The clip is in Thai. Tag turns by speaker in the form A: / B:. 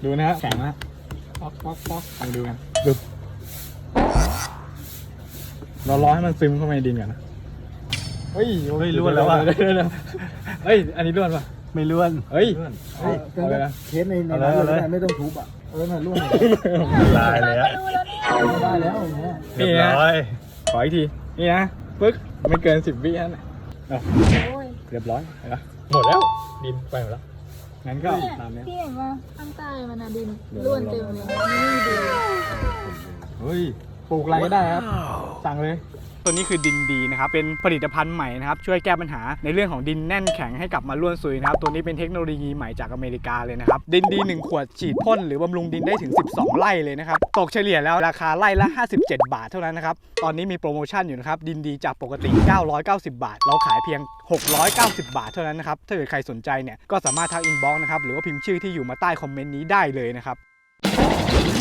A: ดูนะฮะแข็งนะป๊อกป๊อกป๊อกลองดูกันดูเรารอให้มันซึมเข้าไปในดินก่อนนะเฮ้ยล้วนแล้วอ่ะเฮ้ยอันนี้ล้วนป่ะ
B: ไม่ล้วน
A: เฮ้ย
C: เอาเลยนะเคสในนั้นเลยไม่ต้องทุบอ่ะน่ะร่วง
B: ลายเลยอะ
C: ได้แล้วอย่างเงี้ย
A: นี่นะขออีกทีนี่นะปึ๊กไม่เกิน10 วินะเรียบร้อยเห็นปะหมดแล้วดินไปหมดแล้วงั้นก็ตามนี้
D: พี่เห็นว่าข้างใต้มันอะดินล้วนเต็มเลยนี่ดู
A: เฮ้ยปลูกอะไรก็ได้ครับสั่งเลยตัวนี้คือดินดีนะครับเป็นผลิตภัณฑ์ใหม่นะครับช่วยแก้ปัญหาในเรื่องของดินแน่นแข็งให้กลับมาร่วนซุยนะครับตัวนี้เป็นเทคโนโลยีใหม่จากอเมริกาเลยนะครับดินดี1 ขวดฉีดพ่นหรือบำรุงดินได้ถึง12 ไร่เลยนะครับตกเฉลี่ยแล้วราคาไร่ละ57 บาทเท่านั้นนะครับตอนนี้มีโปรโมชั่นอยู่นะครับดินดีจากปกติ990 บาทเราขายเพียง690 บาทเท่านั้นนะครับถ้าเกิดใครสนใจเนี่ยก็สามารถทักอินบ็อกซ์นะครับหรือว่าพิมพ์ชื่อที่อยู่มาใต้คอมเมนต์นี้ได้เลยนะครับ